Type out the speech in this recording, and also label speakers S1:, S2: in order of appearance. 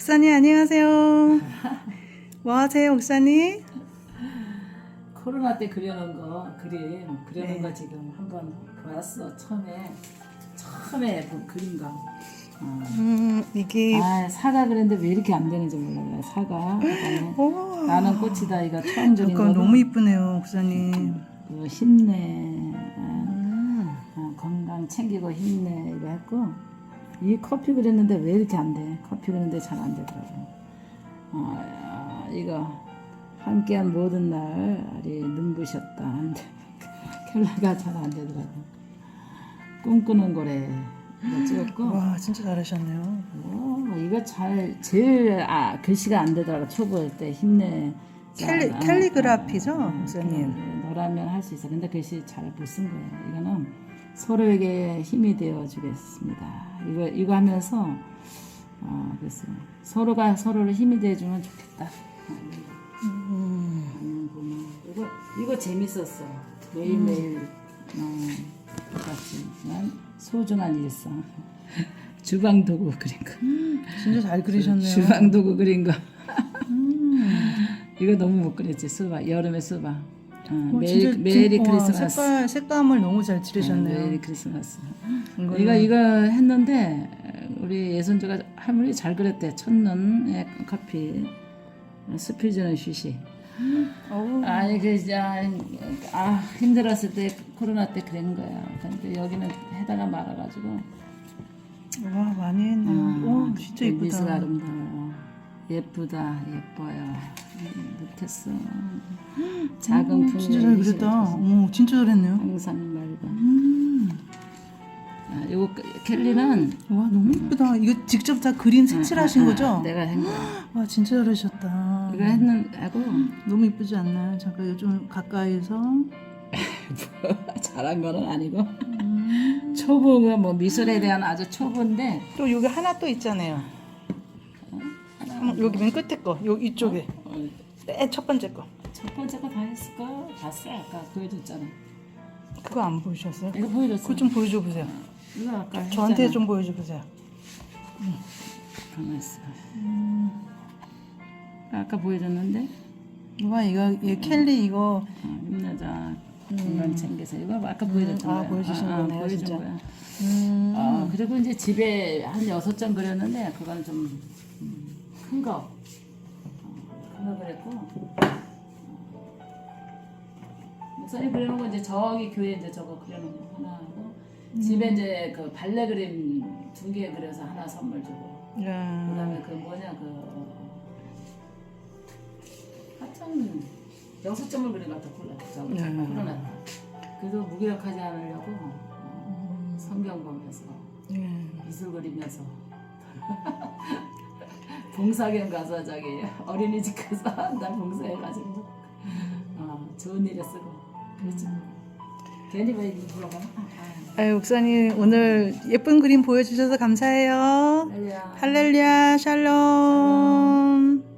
S1: 목사님 안녕하세요. 뭐 하세요, 목사님?
S2: 코로나 때 그려놓은 거 그려놓은
S1: 네.
S2: 거 지금 한번 보았어. 처음에 그 그린 거.
S1: 이게
S2: 사과 그랬는데 왜 이렇게 안 되는지 몰라요. 사과. 그다음에
S1: 오,
S2: 나는 꽃이다 이거 처음 그린 거.
S1: 약간 너무 이쁘네요, 목사님.
S2: 그 힘내. 건강 챙기고 힘내 이거 했고 이 커피 그렸는데 왜 이렇게 안 돼? 커피 그렸는데 잘 안 되더라고. 이거 함께한 모든 날이 눈부셨다. 안 돼. 켈러가 잘 안 되더라고. 꿈꾸는 거래. 이거 찍었고.
S1: 와, 진짜 잘하셨네요.
S2: 이거 제일 글씨가 안 되더라고. 초보일 때 힘내.
S1: 캘리그라피죠, 목사님?
S2: 너라면 할 수 있어. 근데 글씨 잘 못 쓴 거예요. 이거는 서로에게 힘이 되어 주겠습니다. 이거 하면서 그래서 서로가 서로를 힘이 되어 주면 좋겠다. 이거 재밌었어. 매일매일 똑같지만 소중한 일상. 주방 도구 그린 거.
S1: 진짜 잘 그리셨네요.
S2: 주방 도구 그린 거. 이거 너무 못 그렸지. 수박 여름에 수박. 메리 크리스마스.
S1: 색감을 너무 잘 칠하셨네요.
S2: 메리 크리스마스. 이거 했는데 우리 예선주가 할머니 잘 그렸대. 첫눈의 커피. 스피즈는 쉬시. 아니 힘들었을 때 코로나 때 그런 거야. 근데 여기는 해다가 말아가지고.
S1: 와, 많이 했네요. 진짜
S2: 미소가
S1: 이쁘다.
S2: 아름다워요. 예쁘다, 예뻐요. 못했어. 작은 풍경.
S1: 진짜 잘 그렸다. 어머, 진짜 잘했네요.
S2: 항상 맑은. 요거 켈리는
S1: 와, 너무 이쁘다. 이거 직접 다 그림 색칠하신 거죠?
S2: 내가 한 거야.
S1: 와, 진짜 잘하셨다.
S2: 이거 하고
S1: 너무 이쁘지 않나요? 잠깐 이거 좀 가까이서.
S2: 잘한 거는 아니고 초보가 뭐 미술에 대한 아주 초보인데
S1: 또 여기 하나 또 있잖아요. 여기 맨 끝에 거, 요 이쪽에 맨 첫 번째 거.
S2: 첫 번째 거 다 했을까? 봤어 아까 보여줬잖아.
S1: 그거 안 보여주셨어요?
S2: 이거 보여줬어.
S1: 그거 좀 보여줘 보세요.
S2: 이거 아까
S1: 저한테
S2: 했잖아.
S1: 좀 보여줘 보세요.
S2: 가만 있어. 아까 보여줬는데.
S1: 와, 이거 켈리 이거
S2: 힘내자. 건강 챙겨서 이거 아까 보여줬던 거야.
S1: 보여주신 거네요,
S2: 보여준
S1: 진짜.
S2: 거야. 그리고 이제 집에 한 6장 그렸는데 그건 좀 큰 거. 큰 거 그랬고. 목사님 그려놓은 거 이제 저기 교회 이제 저거 그려놓은 거 하나 하고 집에 이제 그 발레 그림 2개 그려서 하나 선물 주고. 그다음에 그 뭐냐 하여튼 6점을 그린 것 같아 코로나. 그래도 무기력하지 않으려고 성경 보면서 미술 그리면서 봉사견 가서 저기 어린이집 가서 한 달 봉사해가지고 좋은 일에 쓰고 그렇지. 괜히 왜 물어봐.
S1: 아유, 목사님 오늘 예쁜 그림 보여주셔서 감사해요. 할렐루야, 샬롬.